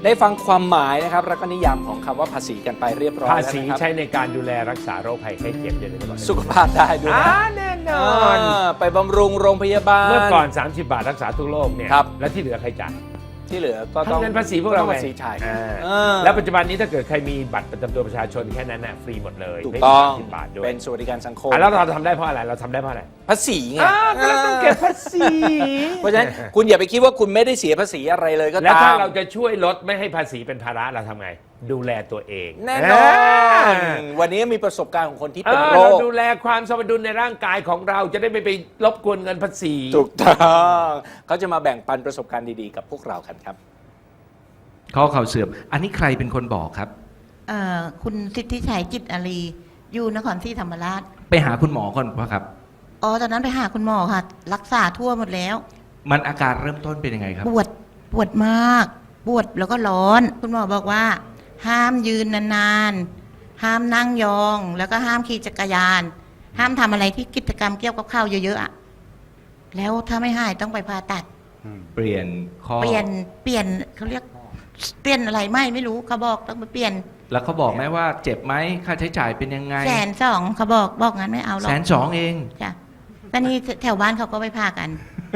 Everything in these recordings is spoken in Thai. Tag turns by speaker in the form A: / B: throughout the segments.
A: ได้ฟังความหมายนะครับแล้วก็นิยามของคำว่าภาษีกันไปเรียบร้อย
B: ภา
A: แล้ว
B: ษี
A: นะครับ
B: ใช้ในการดูแลรักษาโรคภัยไข้เจ็บอย่างนี้ก่อน
A: สุขภาพได้ด้วยนะ
B: แน่นอน
A: ไปบำรุงโรงพยาบาล
B: เมื่อก่อน 30 บาทรักษาทุกโรคเนี่ย
A: ครับ
B: แล้วที่เหลือใครจ่าย
A: ที่เหลือก็ต้อง
B: ทำเงินภาษีพวกเรา
A: ต้องภาษีจ่าย
B: แล้วปัจจุบันนี้ถ้าเกิดใครมีบัตรประจำตัวประชาชนแค่นั้นน่ะฟรีหมดเลย
A: ถูกต้อง
B: ไม่มี30 บาทด้วย
A: เป็นสวัสดิการสังคม
B: แล้วเราทำได้เพราะอะไรเราทำได้เพราะอะไร
A: ภาษีไง
B: ก็เราต้องเก็บภาษี
A: เพราะฉะนั้นคุณอย่าไปคิดว่าคุณไม่ได้เสียภาษีอะไรเลยก็
B: แล้ว
A: ตา
B: ถ้าม เราจะช่วยลดไม่ให้ภาษีเป็นภาระเราทำไง ดูแลตัวเอง
A: แน่นอนวันนี้มีประสบการณ์ของคนที่เป็นโร
B: เรา
A: ค
B: ดูแลความสมดุลในร่างกายของเราจะได้ไม่ไปรบกวนเงินภาษี
A: ถูกต้องเขาจะมาแบ่งปันประสบการณ์ดีๆกับพวกเรากันครับ
C: ข้อเข่าเสื่อม อันนี้ใครเป็นคนบอกครับ
D: คุณสิทธิชัยจิตอารีอยู่นครศรีธรรมราช
C: ไปหาคุณหมอก่อนป่ะครับ
D: อ๋อตอนนั้นไปหาคุณหมอค่ะ รักษาทั่วหมดแล้ว
C: มันอาการเริ่มต้นเป็นยังไงครับ
D: ปวดมาก ปวดแล้วก็ร้อน คุณหมอบอกว่า ห้ามยืนนานๆ ห้ามนั่งยอง แล้วก็ห้ามขี่จักรยาน ห้ามทำอะไรที่กิจกรรมเกี่ยวกับข้าวเยอะๆอะแล้วถ้าไม่หายต้องไปผ่าตัด
C: เปลี่ยนข้อ
D: เปลี่ยนเขาเรียกเปลี่ยนอะไรไม่รู้เขาบอกต้องไปเปลี่ยน
C: แล้วเขาบอกไหมว่าเจ็บไหมค่าใช้จ่ายเป็นยังไง
D: 120,000เขาบอกงั้นไม่เอาหรอก
C: 120,000เอง
D: จ้ะตอนนี้แถวบ้านเขาก็ไปพากัน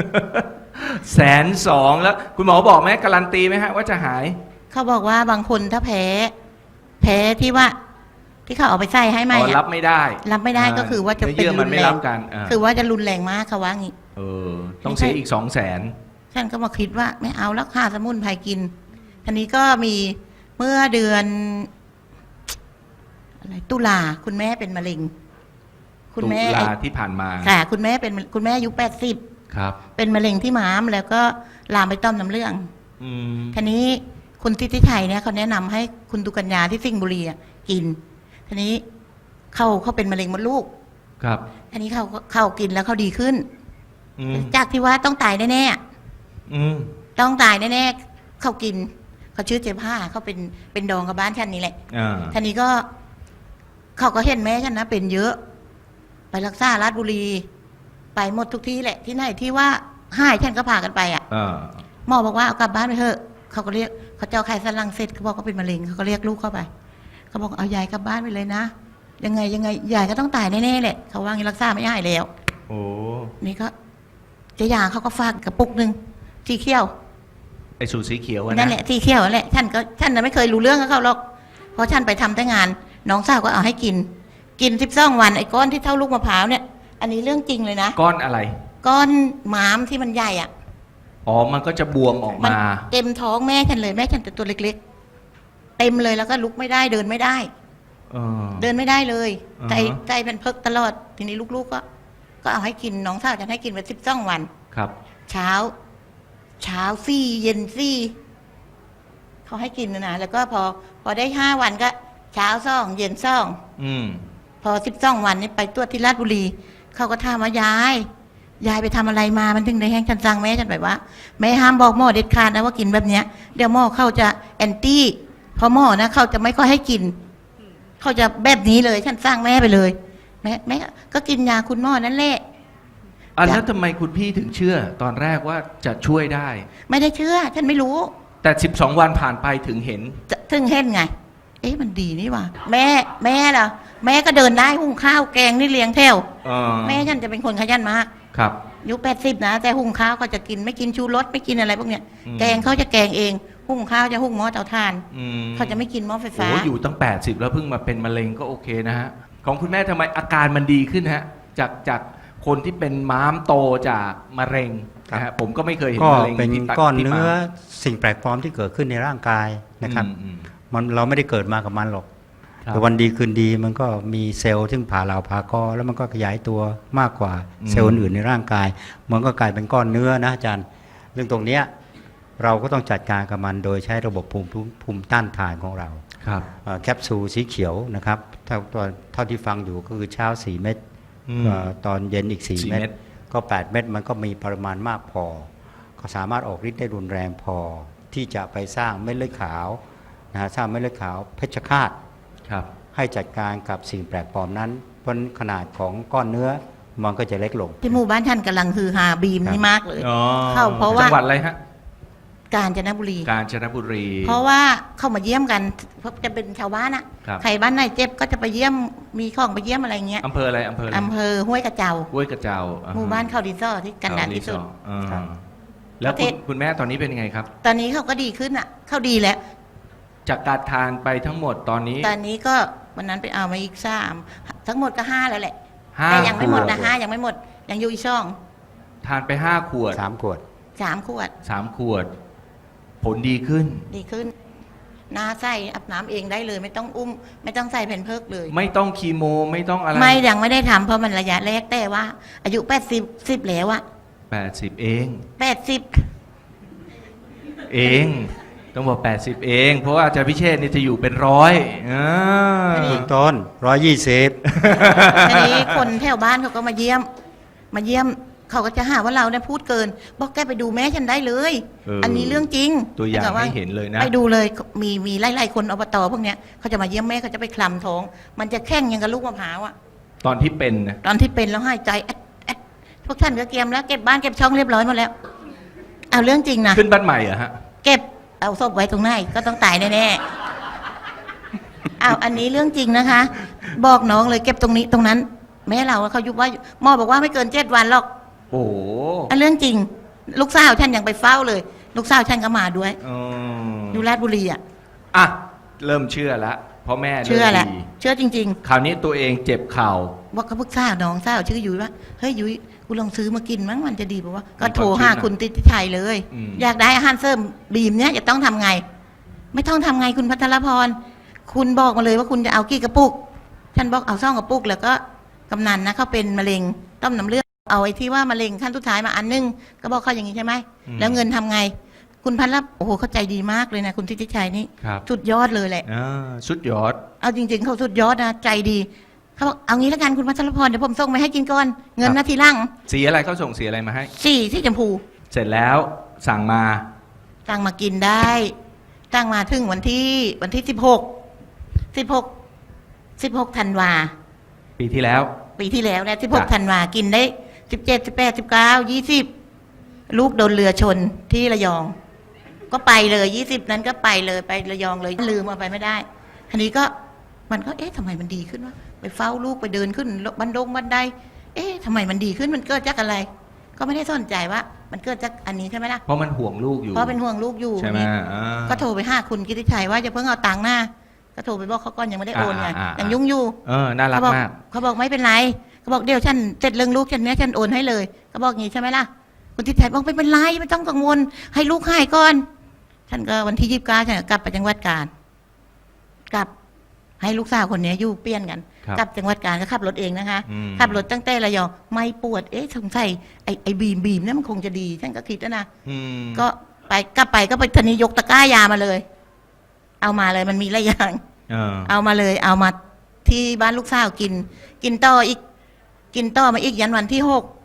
C: 120,000แล้วคุณหมอบอกไหมการันตีไหมฮะว่าจะหาย
D: เขาบอกว่าบางคนถ้าแพ้ที่ว่าที่เขาเอาไปใส่ให้ใหม่
C: อ๋อ
D: อะ
C: รับไม่ได้
D: รับไม่ได้ก็คือว่าจะ
C: นื้อ
D: เป็น
C: เยื่อ
D: รุ
C: มัน
D: น
C: ไม่
D: แร
C: รั
D: ง
C: บกันอ่า
D: คือว่าจะรุนแรงมากเขาว่างี้
C: ต้องเสียอีก200,000
D: ฉันก็มาคิดว่าไม่เอาแล้วค่าสมุนไพรกินทีนี้ก็มีเมื่อเดือนอะไรตุลาคุณแม่เป็นมะเร็ง คุณแม่
C: ตุลาที่ผ่านมา
D: ค่ะ คุณแม่เป็นคุณแม่อายุ80
C: ครับ
D: เป็นมะเร็งที่ม้ามแล้วก็ลามไปต้อมน้ำเหลือง
C: อืม
D: ทีนี้คุณทิติชัยเนี่ยเขาแนะนำให้คุณตุกัญญาที่สิงห์บุรีอะกินทีนี้เขาเป็นมะเร็งมดลูก
C: ครับ
D: ทีนี้เขากินแล้วเขาดีขึ้น
C: อืม
D: จากที่ว่าต้องตายแน่
C: อืม
D: ๆต้องตายแน่ๆเขากินเขาชื่อเจ๊ผ้าเขาเป็นดองกับบ้านฉันนี่แหละ
C: อ่า
D: ทีนี้ก็เขาก็เห็นแม่ฉันนะเป็นเยอะ ไปรักษาราชบุรี ไปหมดทุกที่แหละที่ไหนที่ว่าหายฉันก็พากันไปอ่ะ
C: อ่า
D: หมอบอกว่าเอากลับบ้านไปเถอะเขาก็เรียกเขาเจ้าไข่สันหลังเสร็จเขาบอกเขาเป็นมะเร็งเขาก็เรียกลูกเข้าไปเขาบอกเอายายกลับบ้านไปเลยนะยังไงยายก็ต้องตายแน่ๆแหละเขาว่างี้รักษาไม่หายแล้ว
C: โอ้
D: นี่ก็เจ๊ยาเขาก็ฝากกระปุกหนึ่งสีเขียว
C: ไอสูตรสีเขียวอะ
D: นั่
C: นะ
D: นแหละสีเขียวนั่นแหละฉันน่ะไม่เคยรู้เรื่องกับเขาหรอกเพราะฉันไปทำแต่งาน น้องสาวก็เอาให้กิน12 วันไอ้ก้อนที่เท่าลูกมะพร้าวเนี่ย อันนี้เรื่องจริงเลยนะ
C: ก้อนอะไร
D: ก้อนม้ามที่มันใหญ่อ่ะ
C: อ๋อ มันก็จะบวมออก
D: มัน
C: มา
D: เต็มท้องแม่ฉันเลยแม่ฉันแต่ตัวเล็กๆ เต็มเลยแล้วก็ลุกไม่ได้เดินไม่ได้
C: เออ
D: เดินไม่ได้เลย
C: อ่าฮะ
D: ใจเป็นเพิกตลอดทีนี้ลูกๆก็เอาให้กินน้องสาวฉันให้กินไป12 วัน
C: ครับ
D: เช้าซี่เย็นซี่เขาให้กินนะแล้วก็พอได้5 วันก็เช้าซ่องเย็นซ่อง
C: อืม
D: พอ12 วันนี้ไปตรวจที่ราชบุรีเขาก็ถามว่ายายไปทำอะไรมามันถึงได้แห้งฉันสั่งแม่ฉันไปว่าแม่ห้ามบอกหมอเด็ดขาดนะว่ากินแบบเนี้ยเดี๋ยวหมอเขาจะแอนตี้เพราะหมอนะเขาจะไม่ค่อยให้กินเขาจะแบบนี้เลยฉันสั่งแม่ไปเลยแม่ก็กินยาคุณหมอนั่นแหละ
C: อ่ะแล้วทำไมคุณพี่ถึงเชื่อ ตอนแรกว่าจะช่วยได้
D: ไม่ได้เชื่อฉันไม่รู้
C: แต่12 วันผ่านไปถึงเห็น
D: ถึงเห็นไง เอ๊ะมันดีนี่ว่ะแม่ล่ะแม่ก็เดินได้หุงข้าวแกงนี่เลี้ยงแถว แม่ฉันจะเป็นคนขยันมาก
C: ครับ
D: อายุ80นะแต่หุงข้าวก็จะกินไม่กินชูรสไม่กินอะไรพวกเนี้ย
C: อืม
D: แกงเขาจะแกงเองหุงข้าวจะหุงหม้อเตาถ่าน
C: อืม
D: เขาจะไม่กินหม้อไฟ
C: โอ้
D: ฟ้า
C: อยู่ตั้ง80แล้วเพิ่งมาเป็นมะเร็งก็โอเคนะฮะ ของคุณแม่ทำไมอาการมันดีขึ้นฮะ จากคนที่เป็นม้ามโตจากมะเร็งนะฮะผมก็ไม่เคยเห็น
E: ก็
C: มะเร็ง
E: เป็น
C: ที่ตับ
E: ก้อน
C: ที่
E: เนื้อ
C: ม้าม
E: สิ่งแปลกปลอมที่เกิดขึ้นในร่างกายนะครับ
C: อืม
E: มันเราไม่ได้เกิดมากับมันหรอก
C: ครับ
E: แต่วันดีคืนดีมันก็มีเซลล์ซึ่งผ่าเหลาผ่ากอแล้วมันก็ขยายตัวมากกว่าเซลล์อื่นในร่างกาย มันก็กลายเป็นก้อนเนื้อนะอาจารย์เรื่องตรงเนี้ยเราก็ต้องจัดการกับมันโดยใช้ระบบภูมิต้านทานของเรา
C: ครับ
E: แคปซูลสีเขียวนะครับเท่าที่ฟังอยู่ก็คือเช้า4 เม็ด
C: อืม
E: ตอนเย็นอีก
C: 4
E: 4 เม็ดก็ 8 เม็ดมันก็มีปริมาณมากพอ ก็สามารถออกฤทธิ์ได้รุนแรงพอ ที่จะไปสร้างเม็ดเลือดขาวนะฮะสร้างเม็ดเลือดขาวเพชฌฆาต
C: ครับ
E: ให้จัดการกับสิ่งแปลกปลอมนั้น เพราะขนาดของก้อนเนื้อมันก็จะเล็กลง
D: ที่หมู่บ้านท่านกำลังฮือฮาบีมนี่มากเลย
C: อ๋อ
D: เข้าเพราะว่า
C: จังหวัดอะไรฮะ
D: กาญจนบุรี
C: กาญจนบุรี
D: เพราะว่าเข้ามาเยี่ยมกันเพราะจะเป็นชาวบ้านอะ
C: ครับ
D: ใครบ้านไหนเจ็บก็จะไปเยี่ยมมีของไปเยี่ยมอะไรเงี้ย
C: อำเภออะไรอำเภออะไร
D: อำเภอห้วยกระเจ้า
C: ห้วยกระเจ้าอ่ฮะ
D: หมู่บ้านเขาดินซ่อที่กันดารที่สุด
C: อ่า
D: ครับ
C: แล้ว
D: ประเทศ
C: คุณแม่ตอนนี้เป็นยังไงครับ
D: ตอนนี้เขาก็ดีขึ้นอะเขาดีแล้ว
C: จากการทานไปทั้งหมดตอนนี้
D: ตอนนี้ก็วันนั้นไปเอามาอีก3ทั้งหมดก็5แล้วแหละ
C: ห้า
D: แต่ยังไม่หมด
C: ขว
D: นะ5ยังไม่หมดยังอยู่อีกช่อง
C: ทานไป5 ขวด
E: 3 ขวด
D: 3 ขวด
C: 3 ขวด ผลดีขึ้น
D: ดีขึ้นหน้าใส่อาบน้ำเองได้เลย ไม่ต้องอุ้ม ไม่ต้องใส่แผ่นเพิกเลย
C: ไม่ต้องคีโมไม่ต้องอะไร
D: ไม่ยังไม่ได้ทำเพราะมันระยะแรกแต่ว่า อายุ80แล้วอะ
C: 80 เอง
D: 80
C: เอง ต้องบอก 80 เอง เพราะว่าอาจารย์พิเชษฐ์นี่จะอยู่เป็นร้อยอ่า
E: คุณต้น 120
D: ทีนี้คนแถวบ้านเขาก็มาเยี่ยม เขาก็จะหาว่าเราเนี่ยพูดเกิน บอกแกไปดูแม่ฉันได้เลย อันนี้เรื่องจริง
C: ตัวอย่าง
D: แต่
C: ให้เห็นเลยนะ
D: ไปดูเลยมีไล่ๆคนอบตพวกเนี้ยเขาจะมาเยี่ยมแม่เขาจะไปคลำท้อง มันจะแข้งอยังกับลูกมะพร้าวอะ
C: ตอนที่เป็นนะ
D: ตอนที่เป็นแล้วหายใจแอดพวกท่านก็เตรียมแล้วเก็บบ้านเก็บช่องเรียบร้อยหมดแล้ว เอาเรื่องจริงนะ
C: ขึ้นบ้านใหม่เหรอฮะ
D: เก็บเอาศพไว้ตรงไหนก็ต้องตายแน่ๆเอาอันนี้เรื่องจริงนะคะ บอกน้องเลยเก็บตรงนี้ตรงนั้น แม่เราเขายุบว่าหมอบอกว่าไม่เกิน7 วันหรอก
C: โอ้โห
D: อันเรื่องจริง ลูกสาวฉันยังไปเฝ้าเลย ลูกสาวฉันก็มาด้วย
C: อืม
D: อยู่ราชบุรีอ่ะ
C: อ่ะ เริ่มเชื่อแล้วเพราะแม่
D: เชื่อแหละ
C: ริ่มดี
D: เชื่อจริง
C: คราวนี้ตัวเองเจ็บเข่า
D: ๆว่าเขาพึกษาน้องสาวชื่อยุ้ยว่าเฮ้ยยุ้ยกูลองซื้อมากินมั้งมันจะดีป่าวะก็โทรหาคุณติติชัยเลย
C: อืม
D: อยากได้อาหารเสริมบีมเนี่ยจะต้องทำไง ไม่ต้องทำไงคุณพัทรพร คุณบอกมาเลยว่าคุณจะเอากี่กระปุก ฉันบอกเอา2 กระปุก แล้วก็กำนันนะเขาเป็นมะเร็งต้อมน้ำเลือดเอาไอ้ที่ว่ามะเร็งขั้นสุดท้ายมาอันนึงก็บอกเขาอย่างนี้ใช่ไหมแล้วเงินทำไง คุณพัทรโอ้โหเข้าใจดีมากเลยนะคุณทิติชัยนี่
C: ครับ
D: สุดยอดเลยแหละ
C: อ่าสุดยอด
D: เอาจริง ๆเขาสุดยอดนะใจดีเขาบอกเอางี้แล้วกันคุณพัทรพรเดี๋ยวผมส่งไปให้กินก่อนเงิน
C: ครับ
D: นาทีหล่าง
C: สีอะไรเขาส่งสีอะไรมาให้
D: ที่ชมพู
C: เสร็จแล้วสั่งมา
D: ตั้งมากินได้ตั้งมาถึงวันที่16ธันวา
C: ปีที่แล้ว
D: ปีที่แล้วนะ
C: จ้ะ
D: 16ธันวากินได้17 18 19 20ลูกโดนเรือชนที่ระยอง ก็ไปเลย20นั้นก็ไปเลยไประยองเลยลืมเอาไปไม่ได้ทีนี้ก็มันก็เอ๊ะทำไมมันดีขึ้นวะไปเฝ้าลูกไปเดินขึ้นบันไดเอ๊ะทำไมมันดีขึ้นมันเกิดจากอะไร ก็ไม่ได้สนใจว่ามันเกิดจากอันนี้ใช่ไหมล่ะ
C: เพราะมันห่วงลูกอยู่
D: เพราะเป็นห่วงลูกอยู่
C: ใช่ไหม
D: นี่
C: อ่า
D: ก็โทรไปหาคุณกิติชัยว่าจะเพิ่งเอาตังค์หน้าก็โทรไปบอกเขาก่อนยังไม่ได้โอนไง
C: อ่า
D: ยังยุ่งอยู่
C: เออ น่ารัก
D: เขาบอก
C: มาก
D: เขาบอกไม่เป็นไรเขาบอกเดี๋ยวฉันเสร็จเรื่องลูกฉันเนี้ยฉันโอนให้เลยเขาบอกงี้ใช่ไหมล่ะคุณทิติชัยบอกไม่เป็นไรไม่ต้องกังวลให้ลูกหายก่อนฉันก็วันที่29ฉันก็กลับไปจังหวัดกาญกลับให้ลูกสาวคนนี้อยู่เปลี่ยนกัน
C: ครับ
D: กลับจังหวัดกาญก็ขับรถเองนะคะ
C: อืม
D: ขับรถตั้งแต่ระยองไม่ปวดเอ๊ะสงสัยไอ้บีมเนี่ยมันคงจะดีฉันก็คิดนะ
C: อืม
D: ก็กลับไปก็ไปทีนี้ยกตะกร้ายามาเลย เอามาเลยมันมีหลายอย่าง
C: เออ
D: เอามาเลยเอามาที่บ้านลูกสาวกินต่ออีกกินต่อมาอีกยันวันที่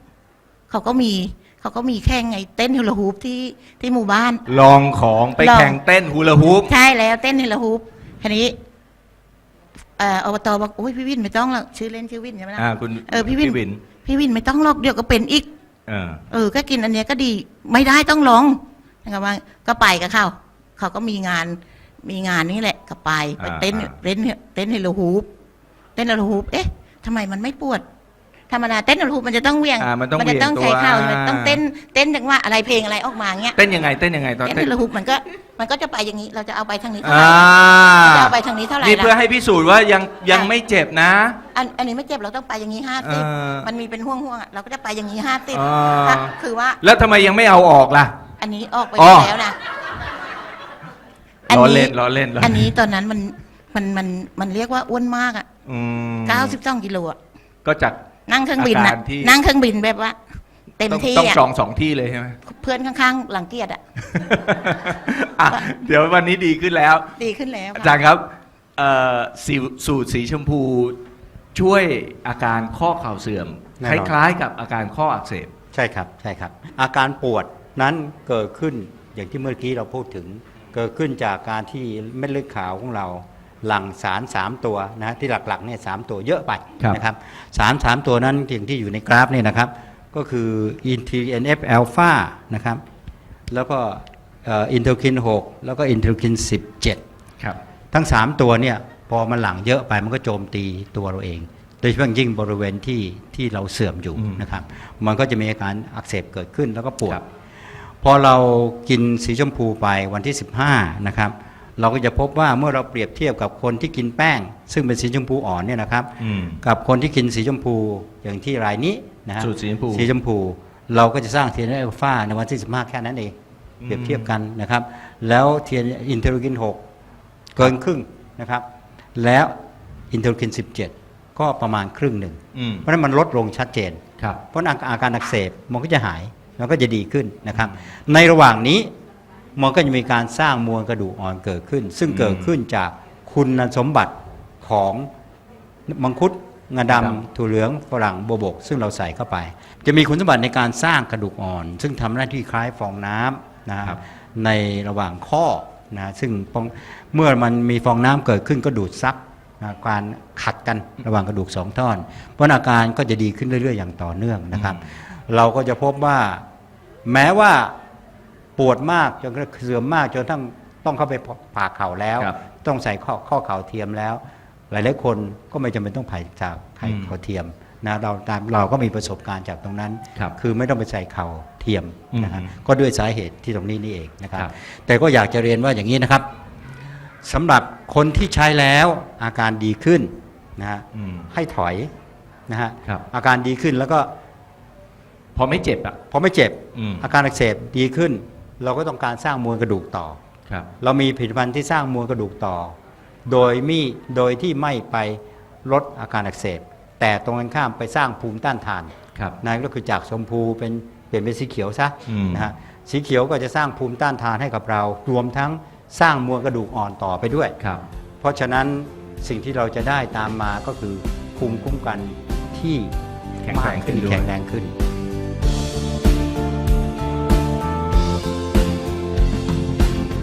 D: 6เขาก็มีแข่งไงเต้นฮูลาฮูปที่หมู่บ้าน
C: ลองของไป
D: ลอง
C: แข่งเต้นฮูลาฮูป
D: ใช่แล้วเต้นฮูลาฮูปทีนี้อบตบอกโอ้ยพี่วินไม่ต้องหรอกชื่อเล่นชื่อวินใช่ไหมล่ะ
C: คุณ
D: พี่วินไม่ต้องหรอกเดี๋ยวก็เป็นอีก
C: เออ
D: ก็กินอันเนี้ยก็ดีไม่ได้ต้องลองนะครับว่าก็ไปกับเขาก็มีงานนี่แหละก็ไปเต้นเฮโลฮูปเต้นเฮโลฮูปเอ๊ะทำไมมันไม่ปวดธรรมดาเต้นเฮโลฮูปมันจะต้องเหวี่ยง
C: มันต้อง
D: จะต้อง
C: เหวี่
D: ใช้
C: ยงตัว
D: เข่ามันต้องเต้นจังว่าอะไรเพลงอะไรออกมาเงี้ย
C: เต้นยังไงตอน
D: เต้น
C: เต้
D: เฮ
C: น
D: โลฮูปมันก็จะไปอย่างนี้เราจะเอาไปทางนี้เท่าไห
C: อ่า
D: ร่จะเอาไปทางนี้เท่าไหร่
C: นี่เพื่อ
D: ล่ะ
C: ให้พิสูจน์ว่ายังไม่เจ็บนะ
D: อันนี้ไม่เจ็บเราต้องไปอย่างนี้50มันมีเป็นห่วงๆอ่ะเราก็จะไปอย่างนี้50คือว่า
C: แล้วทำไมยังไม่เอาออกล่ะ
D: อันนี้ออกไป
C: อ๋อ
D: แล้วนะ
C: ล้อเล่นล้อเล่น
D: อันนี้ตอนนั้นมันเรียกว่าอ้วนมากอ่ะ
C: อืม
D: 92 กิโลอ่ะ
C: ก็จาก
D: นั่งเครื่องบิน
C: อา
D: นะ
C: การที่
D: นั่งเครื่องบินแบบว่า เต็มที่
C: ต้อง
D: อ่ะ
C: จอง2 ที่เลยใช่ไหม
D: เพื่อนข้างๆ หลังเกียรติอ่ะ
C: อ่ะเดี๋ยววันนี้ดีขึ้นแล้ว
D: ดีขึ้นแล้ว
C: อาจารย์ครับสูตรสีชมพูช่วยอาการข้อเข่าเสื่อม
E: แน่
C: คน
E: อน
C: ล้ายๆกับอาการข้ออักเสบ
E: ใช่ครับใช่ครับ อาการปวดนั้นเกิดขึ้นอย่างที่เมื่อกี้เราพูดถึง เกิดขึ้นจากการที่เม็ดเลือดขาวของเราหลั่งสาร 3 ตัวนะที่หลักๆเนี่ย3 ตัวเยอะไป
C: ครับ
E: นะครับ3 ตัวนั้นอย่างที่อยู่ในกราฟเนี่ยนะครับ ก็คือ TNF อ l p h a นะครับแล้วก็อินเทอร์คิน 6 แล้วก็อินเทอร์คิน 17
C: ครับ
E: ทั้ง 3 ตัวเนี่ยพอมันหลั่งเยอะไปมันก็โจมตีตัวเราเอง โดยเฉพาะยิ่งบริเวณที่เราเสื่อมอยู่นะครับมันก็จะมีอาการอักเสบเกิดขึ้นแล้วก็ปวด พอเรากินสีชมพูไปวันที่ 15 นะครับเราก็จะพบว่าเมื่อเราเปรียบเทียบกับคนที่กินแป้ง ซึ่งเป็นสีชมพูอ่อนเนี่ยนะครับกับคนที่กินสีชมพูอย่างที่รายนี้นะฮะ
C: สูตรสีชมพู
E: สีชมพูเราก็จะสร้าง TNF อัลฟาในวันที่ 15 แค่นั้นเองเปรียบเทียบกันนะครับแล้วอินเทอร์คิน 6 เกินครึ่งนะครับแล้วอินเทอร์คิน 17 ก็ประมาณครึ่งหนึ่งเพราะฉะนั้นมันลดลงชัดเจน
C: ครับ
E: เพราะอาการอักเสบมันก็จะหายมันก็จะดีขึ้นนะครับในระหว่างนี้มันก็จะมีการสร้างมวลกระดูกอ่อนเกิดขึ้น ซึ่งเกิดขึ้นจากคุณสมบัติของมังคุดงาดำถั่วเหลืองฝรั่งโบวบกซึ่งเราใส่เข้าไป จะมีคุณสมบัติในการสร้างกระดูกอ่อน ซึ่งทำหน้าที่คล้ายฟองน้ำนะครับในระหว่างข้อนะซึ่งเมื่อมันมีฟองน้ำเกิดขึ้นก็ดูดซับการขัดกันระหว่างกระดูกสองท่อนเพราะอาการก็จะดีขึ้นเรื่อยๆอย่างต่อเนื่องนะครับเราก็จะพบว่าแม้ว่าปวดมากจนเสื่อมมากจนต้องเข้าไปผ่าเข่าแล้วต้องใส่ข้อเข่าเทียมแล้วหลายๆคนก็ไม่จำเป็นต้องผ่าจากไข่เข่าเทียมนะเราก็มีประสบการณ์จากตรงนั้น คือไม่ต้องไปใส่เข่าเทียมนะฮะก็ด้วยสาเหตุที่ตรงนี้นี่เองนะครับแต่ก็อยากจะเรียนว่าอย่างนี้นะครับสำหรับคนที่ใช้แล้วอาการดีขึ้นนะฮะให้ถอยนะฮะอาการดีขึ้นแล้วก็
C: พอไม่เจ็บอ่ะ
E: พอไม่เจ็บอาการอักเสบดีขึ้น เราก็ต้องการสร้างมวลกระดูกต่อ เรามีผลิตภัณฑ์ที่สร้างมวลกระดูกต่อโดยที่ไม่ไปลดอาการอักเสบแต่ตรงกันข้ามไปสร้างภูมิต้านทานนั่นก็คือจากชมพูเปลี่ยนเป็นสีเขียวซะนะฮะสีเขียวก็จะสร้างภูมิต้านทานให้กับเรารวมทั้งสร้างมวลกระดูกอ่อนต่อไปด้วยเพราะฉะนั้นสิ่งที่เราจะได้ตามมาก็คือภูมิคุ้มกันที่
C: แข็งแรงขึ้น
E: แข็งแรงขึ้น